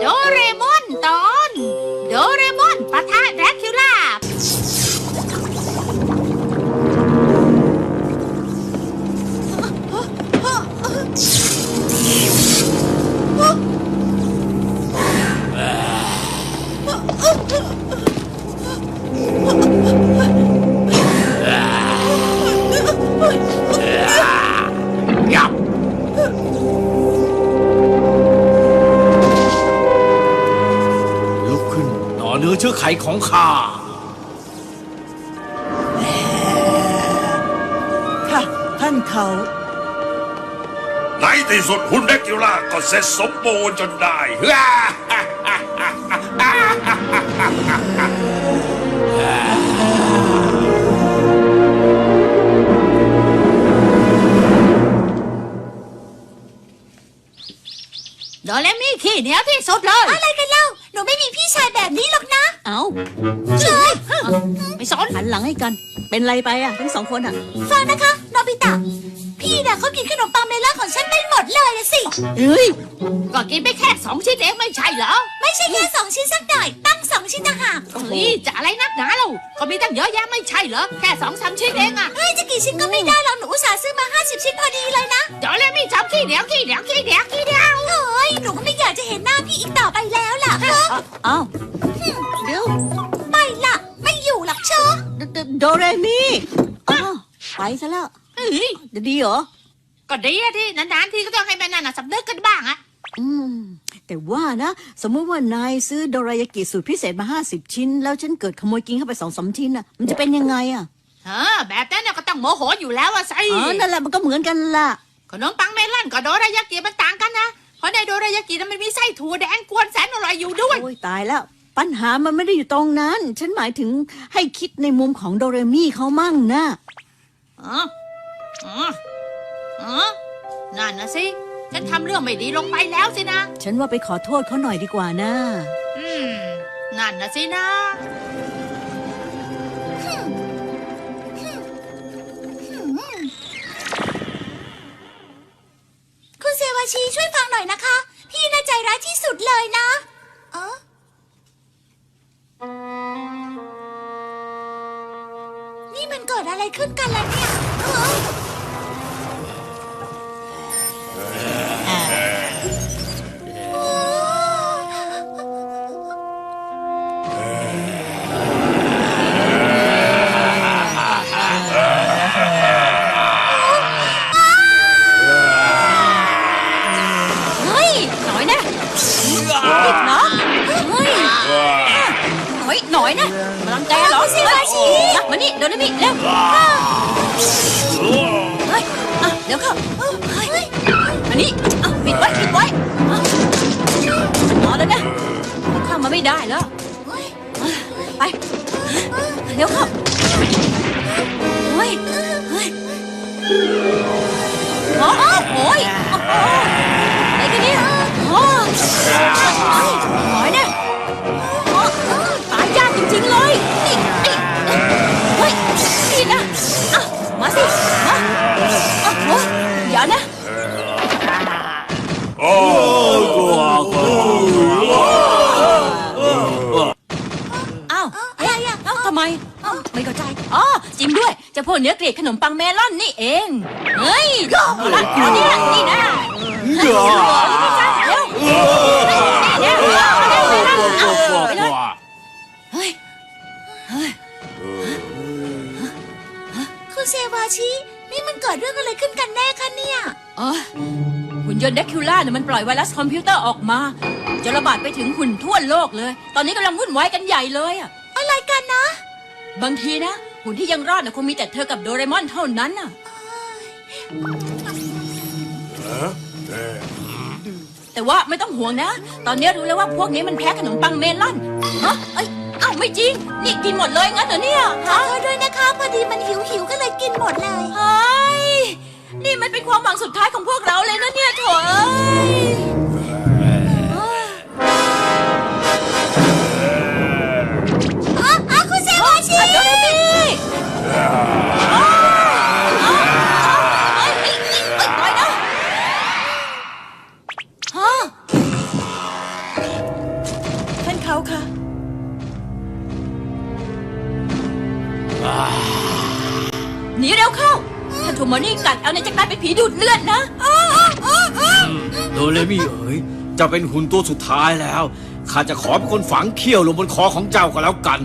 โดเรมอนตอนโดเรมอนปะทะแดร็กคิวล่าเนื้อเชื้อไขของข้าค่ะท่านเขาในที่สุดหุ่นแดกิวล่าก็เสร็จสมบูรณ์จนได้โดเรมิขี้เหนียวที่สุดเลยอะไรกันเล่าหนูไม่มีพี่ชายแบบนี้หรอกนะเอาเฉยไม่สนหันหลังให้กัน เป็นไรไปอ่ะทั้งสองคนอ่ะฟังนะคะโนบิตะพี่น่ะเขากินขนมปังเมลอนของฉันไปหมดเลยสิเอ้ยก็กินไปแค่2 ชิ้นเองไม่ใช่เหรอไม่ใช่แค่2 ชิ้นสักหน่อยตั้ง2 ชิ้นต่างหากเฮ้ยจะอะไรนักหนาเราก็มีตั้งเยอะแยะไม่ใช่เหรอแค่2-3 ชิ้นเองอะเฮ้ยจะกี่ชิ้นก็ไม่ได้หรอกหนูอุตส่าห์ซื้อมา50 ชิ้นพอดีเลยนะโดเรมิชอบขี้เหนียวขี้เหนียวขี้เหนียวขี้เหนียวเฮ้ยหนูก็ไม่อยากจะเห็นหน้าพี่อีกต่อไปแล้วล่ะเอาเดี๋ยวไปล่ะไม่อยู่หรอกเชอะโดเรมีอ้าวไปซะแล้วเฮ้ยจะดีเหรอก็ดีอะที่นานๆทีก็ต้องให้แม่นั่นน่ะสำนึกกันบ้างอะแต่ว่านะสมมติว่านายซื้อโดรายากิสูตรพิเศษมา50 ชิ้นแล้วฉันเกิดขโมยกินเข้าไป2-3 ชิ้นน่ะมันจะเป็นยังไงอ่ะแบบนั้นน่ะก็ต้องโมโหอยู่แล้วอะสินั่นแหละมันก็เหมือนกันล่ะขนมปังเมลอนกับโดรายากิมันต่างกันนะเพราะในโดรายากินั้นมันมีไส้ถั่วแดงกวนแสนอร่อยอยู่ด้วยโอ้ยตายแล้วปัญหามันไม่ได้อยู่ตรงนั้นฉันหมายถึงให้คิดในมุมของโดเรมี่เขามั่งนะนั่นนะสิฉันทำเรื่องไม่ดีลงไปแล้วสินะฉันว่าไปขอโทษเขาหน่อยดีกว่านะนั่นนะสินะคุณเซวาชีช่วยฟังหน่อยนะคะพี่น่าใจร้ายที่สุดเลยนะนี่มันเกิดอะไรขึ้นกันล่ะเนี่ยหน่อยนะมาลังแกเหรอสิมานี่โดนนี่เร็วเฮ้ยเดี๋ยวเข้าอันนี้ปิดไว้นอนแล้วนะเข้ามาไม่ได้แล้วไปเดี๋ยวเข้าเฮ้ยโอ้ยอะไรกันเนี่ยหน่อยนะตายยากจริงๆเลยนี่เฮ้ยนี่นะมาสิมาโอ้ยอย่านะอ้าวอะไรอ่ะทำไมไม่เข้าใจจริงด้วยจะพวกเนื้อเกลียดขนมปังเมลอนนี่เองเฮ้ยรักเขาเนี่ยนี่นะเร็วคุณเซวาชินี่มันเกิดเรื่องอะไรขึ้นกันแน่คะเนี่ยหุ่นยนต์แดคิวล่าเนี่ยมันปล่อยไวรัสคอมพิวเตอร์ออกมาจะระบาดไปถึงหุ่นทั่วโลกเลยตอนนี้กำลังวุ่นวายกันใหญ่เลยอะไรกันนะบางทีนะหุ่นที่ยังรอดคงมีแต่เธอกับโดเรมอนเท่านั้นแต่ว่าไม่ต้องห่วงนะตอนนี้รู้แล้วว่าพวกนี้มันแพ้ขนมปังเมลอนอ้าวไม่จริงนี่กินหมดเลยงั้นเหรอเนี่ยขอโทษด้วยนะคะพอดีมันหิวก็เลยกินหมดเลยเฮ้ยนี่มันเป็นความหวังสุดท้ายของพวกเราเลยนะเนี่ยโถ่คุณเซวาชิโดเรมีปเขาค่ะหนีเร็วเข้า ถ้าถูกหมอนี่กัดเอาเนี่ยจะกลายเป็นผีดูดเลือดนะโดเรมิเอ๋ยเจ้าเป็นหุ่นตัวสุดท้ายแล้ว ข้าจะขอเป็นคนฝังเขี้ยวลงบนคอของเจ้าก็แล้วกัน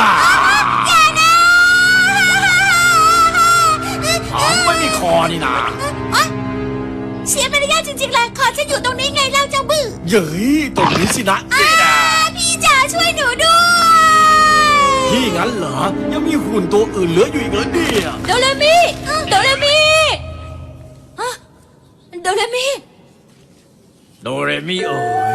ไม่มีคอนี่นาเสียมารยาทจริงๆเลยขอฉันอยู่ตรงนี้ไงเล่าเจ้าบื้อเย้ยตรงนี้สินะนี่นะพี่จ๋าช่วยหนูด้วยพี่งั้นเหรอ ยังมีหุ่นตัวอื่นเหลืออยู่อีกเหรอเนี่ยโดเรมิโดเรมิฮะโดเรมิโดเรมิเอ๋ย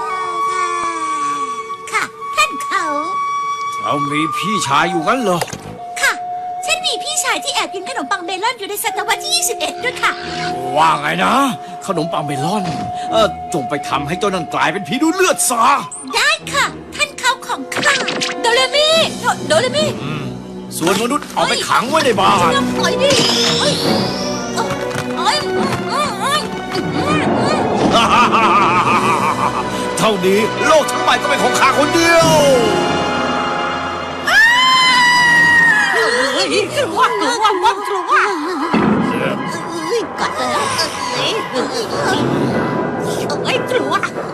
ค่ะท่านเขาเจ้ามีพี่ชายอยู่งั้นเหรอค่ะ ฉันมีพี่ชายที่แอบกินขนมปังเมลอนอยู่ในศตวรรษที่ 21 ด้วยค่ะว่าไงนะ ขนมปังเมลอนจงไปทำให้เจ้านั่นกลายเป็นผีดูดเลือดซะได้ค่ะ ท่านเขาของข้าโดเรมิโดเรมิส่วนมนุษย์เอาไปขังไว้ในบ้านปล่อยดิโอ้ยโอ้ยเท่านี้โลกทั้งใบก็เป็นของข้าคนเดียวกลัวกัดแล้วกลัว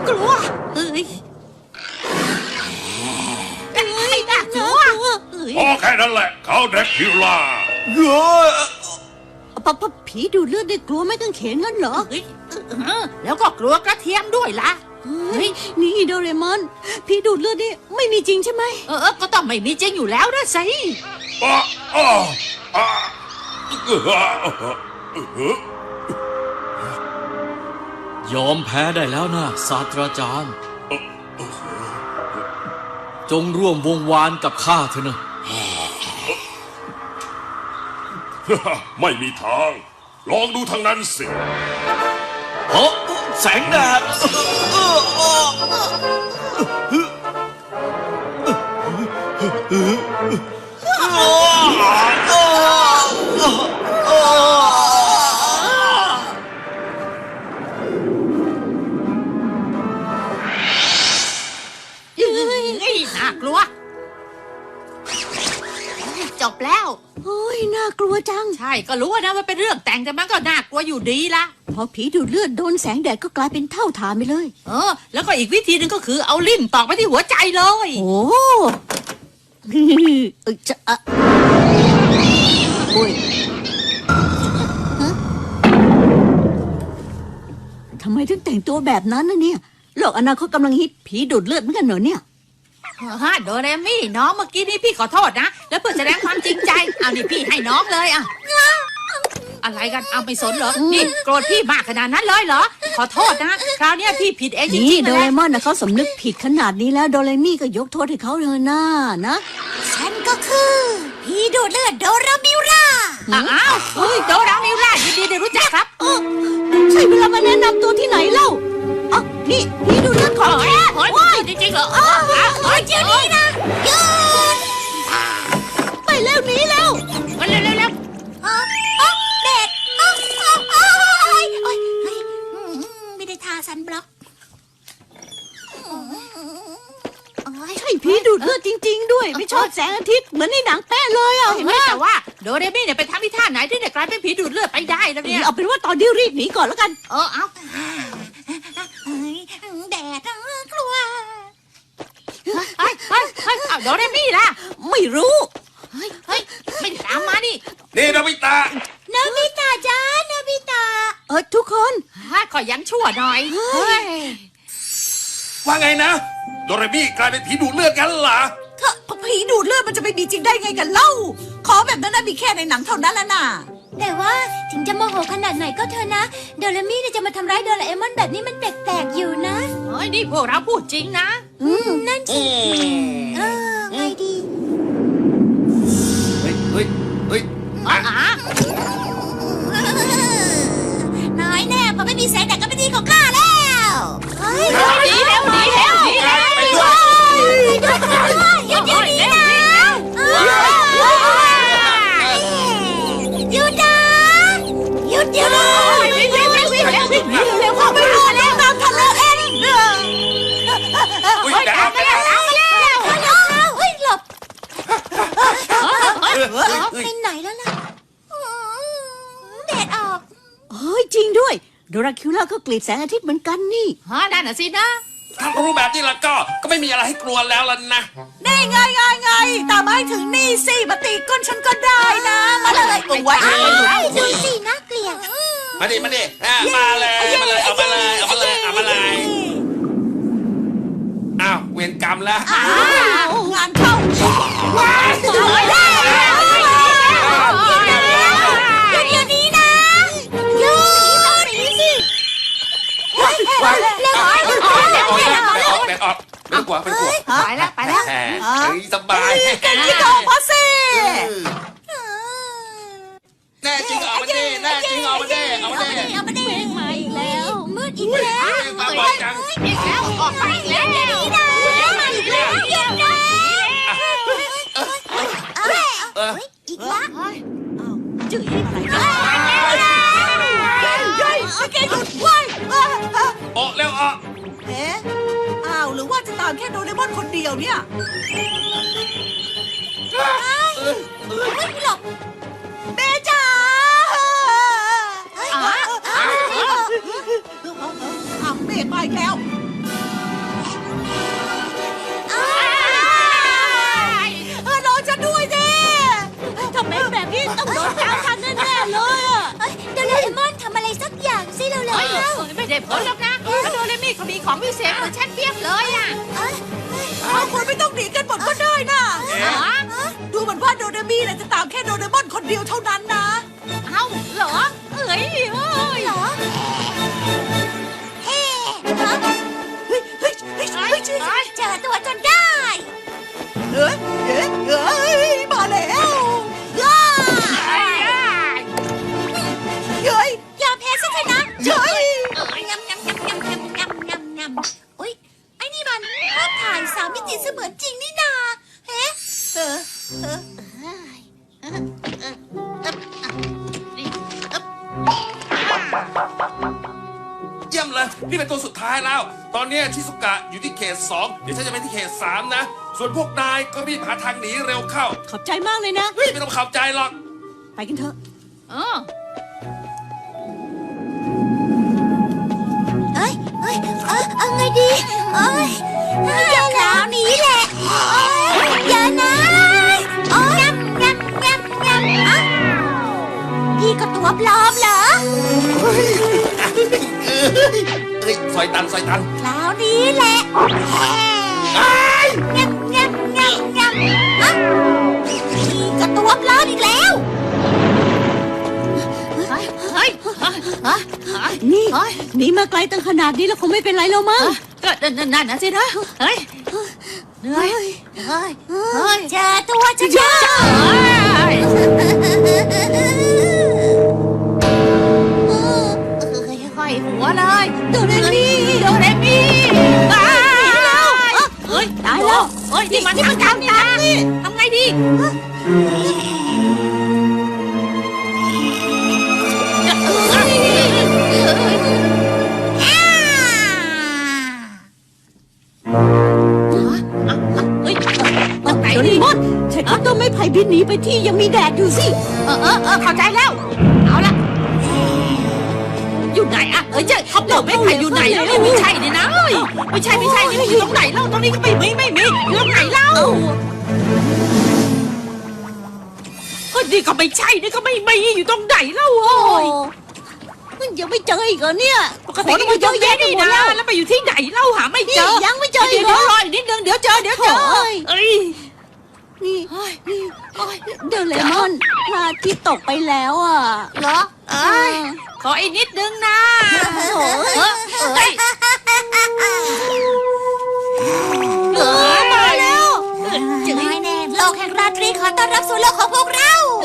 น่ากลัวพอแค่นั้นแหละเขาแดกคิวล่าผีดูดเลือดได้กลัวไม่ต้องเขนงั้นเหรอแล้วก็กลัวกระเทียมด้วยล่ะนี่โดเรมอน ผีดูดเลือดนี่ไม่มีจริงใช่ไหมก็ต้องไม่มีจริงอยู่แล้วนะสิยอมแพ้ได้แล้วนะศาสตราจารย์ จงร่วมวงวานกับข้าเถอะนะไม่มีทาง ลองดูทางนั้นสิแสงแดดน่ากลัว จบแล้วโอ้ยน่ากลัวจังใช่ก็รู้นะว่าเป็นเรื่องแต่งแต่มันก็น่ากลัวอยู่ดีละพอผีดูดเลือดโดนแสงแดดก็กลายเป็นเท่าฐานไปเลยแล้วก็อีกวิธีหนึ่งก็คือเอาลิ้นตอกไปที่หัวใจเลยโอ้จะโอ้ยฮะทำไมถึงแต่งตัวแบบนั้นนะเนี่ยโลกอนาคตกำลังฮิตผีดูดเลือดเหมือนกันเหรอเนี่ยโดเรมี่น้องเมื่อกี้นี่พี่ขอโทษนะ แล้วเพื่อแสดงความจริงใจเอานี่พี่ให้น้องเลยอะอะไรกันเอาไม่สนเหรอนี่โกรธพี่มากขนาดนั้นเลยเหรอขอโทษนะคราวนี้พี่ผิดเองจนี่ริงๆโดนะเรมอนนะเขาสำนึกผิดขนาดนี้แล้วโดเรมี่ก็ยกโทษให้เขาเลยนะนะฉันก็คือพี่ดูดเลือดโดรามิราอ้าวโดรามิล่ายินดีได้รู้จักครับใช่เวลามาแนะนำตัวที่ไหนเล่าอ๋อนี่ผีดูดเลือดของแท้เฮ้ยจริงๆเหรอเดี๋ยวนี้นะหยุดไปแล้วหนีแล้วเร็วเด็ดไม่ได้ทาซันบล็อกใช่ผีดูดเลือดจริง ๆ ด้วย ไม่ชอบแสงอาทิตย์เหมือนในหนังแป้เลยอ่ะเห็เห็นนไหไหมมแต่ว่าโดเรมี่เนี่ยไปทำที่ท่าไหนที่เนี่ยกลายเป็นผีดูดเลือดไปได้แล้วเนี่ยเอาเป็นว่าตอนนี้รีบหนีก่อนแล้วกันเอาแดดกลัวเอาโดเรมี่ล่ะไม่รู้ไม่ตามมานี่นี่นาบิตะนาบิตาจ้านาบิตาทุกคนขอยังชั่วหน่อยเฮ้ยว่าไงนะ โดเรมิกลายเป็นผีดูดเลือดกันเหรอผีดูดเลือดมันจะไปมีจริงได้ไงกันเล่า ขอแบบนั้นนะมีแค่ในหนังเท่านั้นละน่ะแต่ว่าถึงจะโมโหขนาดไหนก็เถอะนะโดรามิเนี่ยจะมาทำร้ายโดราเอมอนแบบนี้มันแปลกๆอยู่นะเฮ้ยนี่พวกเราพูดจริงนะนั่นสิไงดีเฮ้ยน้อยแน่พอไม่มีแสงแดดก็เป็นที่ของข้าแล้วเฮ้ยหนีแล้วไปด้วยหยุดเดี๋ยวนี้นะหยุดนะหยุดเดี๋ยวนี้วิ่งเข้าไปดูแล้วตามทันแล้วเองอุ๊ยแต่เอาด้วย โดราคิวล่าก็เกลียดแสงอาทิตย์เหมือนกันนี่ฮะนั่นน่ะสินะถ้ารู้แบบนี้แล้วก็ไม่มีอะไรให้กลัวแล้วล่ะนะได้ไงตามมาให้ถึงนี่สิมาตีก้นฉันก็ได้นะมาเลยโอ้ยดูสิน่าเกลียดมาดิมาเลยเอามาเลยอ้าวเวรกรรมแล้วงานเข้าเดี๋ยวนี้นะหยุดหนีสิเร็วแดดออกไม่กลัวไปแล้วแหมสบายที่โตพอสิแน่จริงออกมาดิแน่จริงออกมาดิเอามาดิมาอีกแล้วมืดอีกแล้วตาบอดจังอีกแล้วออกไปอีกแล้วนี่นะมาอีกแล้วหยุดนะอีกแล้วจืดอะไรแกหยุดไว้ออกเร็วออกเอ๊ะอ้าวหรือว่าจะตามแค่โดเรมอนคนเดียวเนี่ยไม่หลบเบจ๋าอ้าวเบมาอีกแล้วรอฉันด้วยสิถ้าเป็นแบบนี้ต้องโดนตามทันแน่ๆเลยอ่ะโดราเอมอนทำอะไรสักอย่างสิเร็วไม่ได้ผลหรอกนะแล้วโดเรมี่เขามีของพิเศษเหมือนฉันเปรียบเลยอ่ะคนไม่ต้องหนีกันหมดก็ได้นะดูเหมือนว่าโดเรมีน่ะจะตามแค่โดเรมอนคนเดียวเท่านั้นนะเอ้าเหรอเอ้ยเหรอเฮ้เจอตัวจนได้มาแล้วอย่าแพ้สิเถอะนะเฮ้ยอุ๊ยไอ้นี่มันภาพถ่าย3 มิติเสมือนจริงนี่นาเฮ้เยี่ยมเลยนี่เป็นตัวสุดท้ายแล้ว ตอนนี้ชิซุกะอยู่ที่เขต 2เดี๋ยวฉันจะไปที่เขต 3นะส่วนพวกนายก็รีบหาทางหนีเร็วเข้าขอบใจมากเลยนะเฮ้ยไม่ต้องขับใจหรอกไปกันเถอะเอาไงดีอย่าคราวนี้แหละอย่านะพี่ก็ตัวปลอมเหรอซอยตันคราวนี้แหละพี่ก็ตัวปลอมอีกแล้วนี่หนีมาไกลตั้งขนาดนี้แล้วคงไม่เป็นไรแล้วมั้งก็นั่นนะสินะเฮ้ยเหนื่อยเจอตัวจะเจอค่อยหัวเลยโดเรมีโดเรมี่ตายแล้วเฮ้ยตายแล้วเฮ้ยนี่มันทางการนี่นะทำไงดีโดเรมอนใช้คัตเตอร์ไม้ไผ่บินหนีไปที่ยังมีแดดอยู่สิเข้าใจแล้วเอาละอยู่ไหนอะเจ้าเขาบอกไม่ใครอยู่ไหนแล้วไม่ใช่นี่นะไม่ใช่นี่อยู่ตรงไหนเล่าตรงนี้ก็ไม่มีอยู่ตรงไหนเล่าก็นี่ก็ไม่ใช่นี่ก็ไม่มีอยู่ตรงไหนเล่าโอ้ยมันยังไม่เจออีกเหรอเนี่ยปกขติอก็มามาเยเยอะอะแยะแยะไปนี่หมดนะแล้วแล้วไปอยู่ที่ไหนเล่าหาไม่เจอยังไม่เจออีเดี๋ยกวเหรอรออีกนิดนึงเดี๋ยวเจอเอ้ยนี่โดเรมอนพระอาทิตย์ตกไปแล้วอ่ะเหรอขออีกนิดนึงนะโอ้ยมาแล้วไม่แน่โลกแห่งราตรีขอต้อนรับสู่โลกของพวกเรา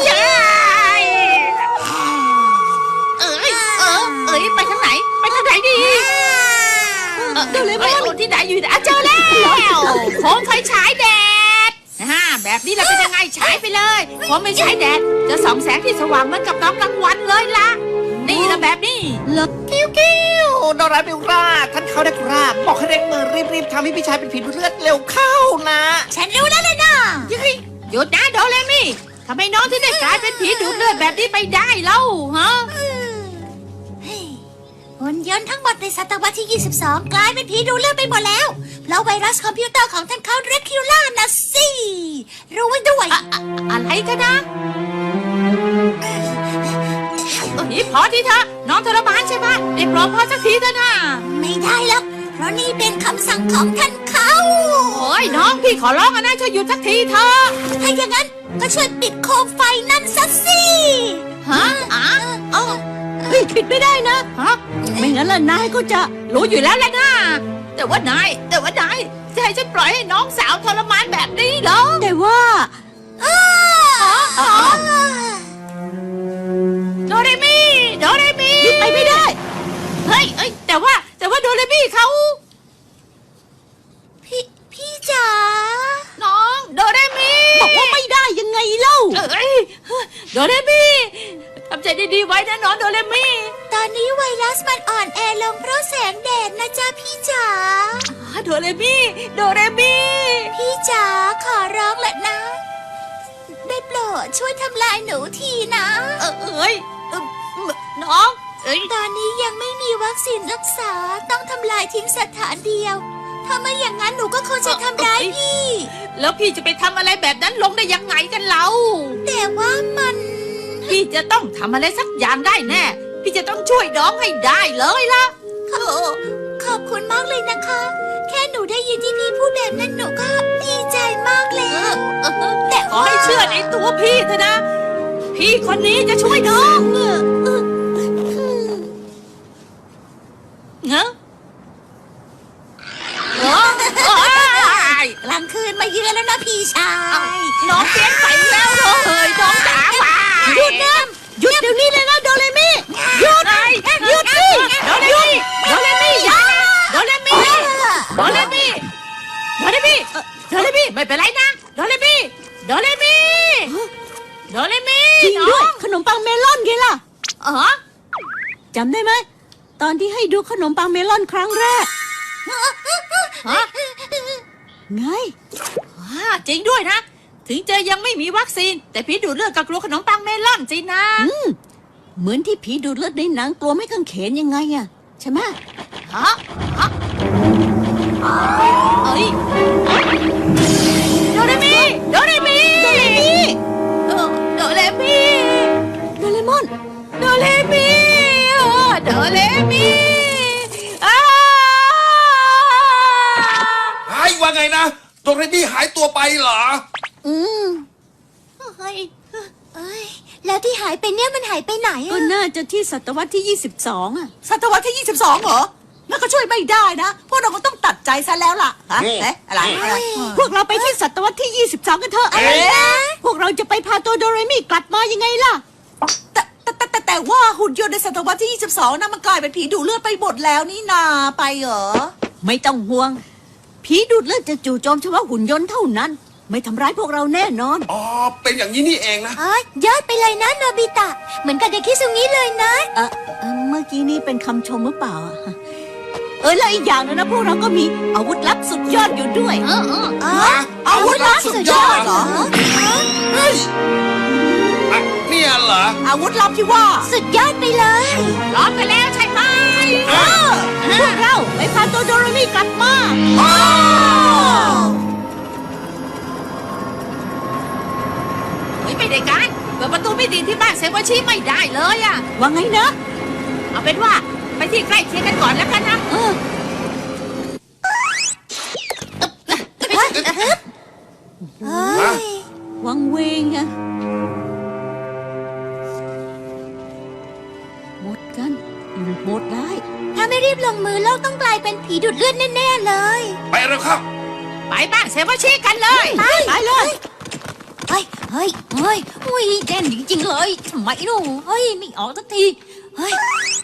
ไปทางไหนดีโดเรมอนที่ไหนอยู่ไหนเจอแล้วโคมไฟฉายแดดแบบนี้เราเป็นยังไงฉายไปเลยผมไม่ใช้แดดจะส่องแสงที่สว่างเหมือนกับตอนกลางวันเลยล่ะนี่ละแบบนี้กิ้วโดราบิวราท่านเขาได้ครับบอกให้เร่งมือรีบทำให้พี่ชายเป็นผีเลือดเร็วเข้านะฉันรู้แล้วเลยนะหยุดนะโดเรมี่ทำไมน้องถึงได้กลายเป็นผีดูดเลือดแบบนี้ไปได้เล่าฮะหุ่นยนต์ทั้งหมดในศตวรรษที่ 22 กลายเป็นผีดูเลือดไปหมดแล้ว เพราะไวรัสคอมพิวเตอร์ของท่านเขาเรคิวล่านะสิรู้ไว้ด้วยอะไรกันนะนี่พอทีเถอะน้องทรมานใช่ไหมได้โปรดพอสักทีเถอะนะไม่ได้หรอกเพราะนี่เป็นคำสั่งของท่านเขาโอ้ยน้องพี่ขอร้องอะนะช่วยหยุดสักทีเถอะถ้าอย่างนั้นก็ช่วยปิดโคมไฟนั่นซะสิฮะเฮ้ยปิดไม่ได้นะฮะไม่งั้นล่ะนายก็จะรู้อยู่แล้วแหละนะแต่ว่านายจะให้ฉันปล่อยให้น้องสาวทรมานแบบนี้เหรอแต่ว่าโดเรมีไปไม่ได้เฮ้ยแต่ว่าโดเรมีเขาพี่จ๋าน้องโดเรมีบอกว่าไม่ได้ยังไงเล่าเอ้ยโดเรมีทำใจดีๆไว้นะน้องโดเรมีตอนนี้ไวรัสมันอ่อนแอลงเพราะแสงแดดนะจ๊ะพี่จ๋าโดเรมีพี่จ๋าขอร้องแหละนะ ได้โปรดช่วยทำลายหนูทีนะน้องเอ้ยตอนนี้ยังไม่มีวัคซีนรักษาต้องทำลายทิ้งสถานเดียว ถ้าไม่อย่างนั้นหนูก็คงจะทำร้ายพี่แล้วพี่จะไปทำอะไรแบบนั้นลงได้ยังไงกันเราแต่ว่ามันพี่จะต้องทำอะไรสักอย่างได้แน่ พี่จะต้องช่วยน้องให้ได้เลยล่ะขอบคุณมากเลยนะคะ แค่หนูได้ยินที่พี่พูดแบบนั้นหนูก็ดีใจมากแล้วแต่ขอให้เชื่อในตัวพี่เถอะนะ พี่คนนี้จะช่วยน้องเงอะกลางคืนมาเยือนแล้วนะพี่ชายน้องเปลี่ยนไปแล้วเลยน้องจ๋าว่าหยุดนะหยุดเดี๋ยวนี้เลยนะโดเรมิหยุดหยุดสิโดเรมีอย่าโดเรมีไม่เป็นไรนะโดเรมีจริงด้วยขนมปังเมลอนไงล่ะอ๋อจำได้ไหมตอนที่ให้ดูขนมปังเมลอนครั้งแรกฮะไงจริงด้วยนะ ถึงจะยังไม่มีวัคซีน แต่พี่ดูดเลือดกับกลัวขนมปังเมลอนจริงนะเหมือนที่ผีดูดเลือดในหนังกลัวไม่กังเขนยังไงอะใช่ไหมฮะเอ้ยโดเรมีโดเรมอนโดเรมีอ้าโดเรมิหายว่าไงนะโดเรมี่หายตัวไปเหรอเฮ้ยแล้วที่หายไปเนี่ยมันหายไปไหนก็อะน่าจะที่ศตวรรษที่ 22อะศตวรรษที่ 22 เหรอนั่นก็ช่วยไม่ได้นะ พวกเราก็ต้องตัดใจซะแล้วล่ะฮะอะไรพวกเราไปที่ศตวรรษที่ 22 กันเถอะ พวกเราจะไปพาตัวโดเรมิกลับมายังไงล่ะแต่ว่าหุ่นยนต์ในศตวรรษที่ 22นะมันกลายเป็นผีดูดเลือดไปหมดแล้วนี่นาไปเหรอไม่ต้องห่วง ผีดูดเลือดจะจู่โจมเฉพาะหุ่นยนต์เท่านั้น ไม่ทำร้ายพวกเราแน่นอนอ๋อ เป็นอย่างนี้นี่เองนะยอดไปเลยนะโนบิตะ เหมือนกับเด็กคิดซุงี้เลยนะเมื่อกี้นี่เป็นคำชมหรือเปล่าอะแล้วอีกอย่างนึงนะพวกเราก็มีอาวุธลับสุดยอดอยู่ด้วยอาวุธลับสุดยอดเหรอเฮ้ยอ่ะเนี่ยเหรออาวุธลับที่ว่าสุดยอดไปเลยร้อนไปแล้วใช่ไหมพวกเราไปพาตัวโดเรมิกลับมาเฮ้ยไม่ได้การเปิดประตูไม่ดีที่บ้านเซวาชิไม่ได้เลยอะว่าไงนะเอาเป็นว่าไปที่ใกล้เคียงกันก่อนแล้วกันนะวังเวงอะหมดกันหมดได้ถ้าไม่รีบลงมือโลกต้องกลายเป็นผีดูดเลือดแน่ๆเลยไปแล้วครับไปบ้านเซวาชิกันเลยไปเลยเฮ้ยแน่นจริงๆเลยทำไมลูกเฮ้ยไม่ออกสักทีเฮ้ย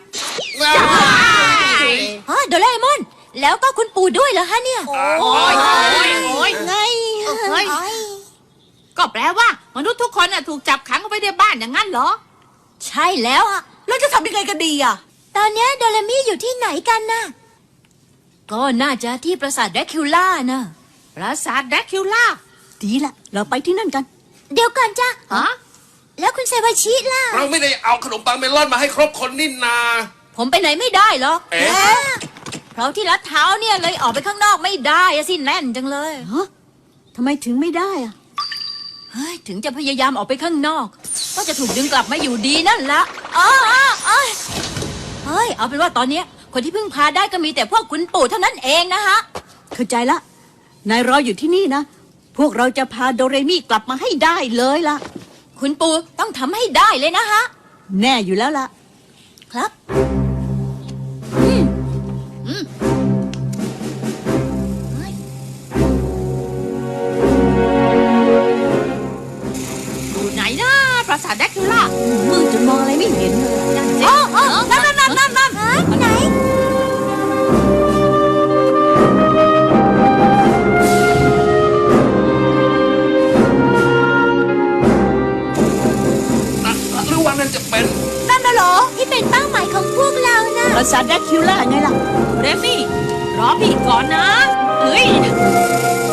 โดราเอมอน แล้วก็คุณปู่ด้วยเหรอฮะเนี่ยโอ้ยไงเฮ้ยก็แปลว่ามนุษย์ทุกคนน่ะถูกจับขังเอาไว้ในบ้านอย่างนั้นเหรอใช่แล้วอะแล้วจะทำยังไงกันดีอ่ะตอนเนี้ยโดเรมี่อยู่ที่ไหนกันน่ะ ก็น่าจะที่ปราสาทแดคิวล่านะปราสาทแดคิวล่าดีละเราไปที่นั่นกันเดี๋ยวก่อนจ้ะฮะแล้วคุณเซวาชิล่ะเราไม่ได้เอาขนมปังเมลอนมาให้ครบคนนี่นาผมไปไหนไม่ได้หรอกเอ๊ะเพราะที่รัดเท้าเนี่ยเลยออกไปข้างนอกไม่ได้อะสิแน่นจังเลยทำไมถึงไม่ได้อะเฮ้ยถึงจะพยายามออกไปข้างนอก ก็จะถูกดึงกลับมาอยู่ดีนั่นละอ้าเฮ้ยเอาเป็นว่าตอนเนี้ยคนที่พึ่งพาได้ก็มีแต่พวกคุณปู่เท่านั้นเองนะฮะเข้าใจละ นายรออยู่ที่นี่นะ พวกเราจะพาโดเรมี่กลับมาให้ได้เลยล่ะคุณปู่ต้องทำให้ได้เลยนะฮะแน่อยู่แล้วล่ะครับอยู่ไหนนะปราสาทแดคิวล่ามืดจนมองอะไรไม่เห็นเลยนั่นสินั่นไหนหรือว่านั่นจะเป็นนั่นน่ะเหรอ ที่เป็นเป้าหมายของพวกเรานะปราสาทแดคิวล่าไงล่ะเรมี่รอพี่ก่อนนะเฮ้ย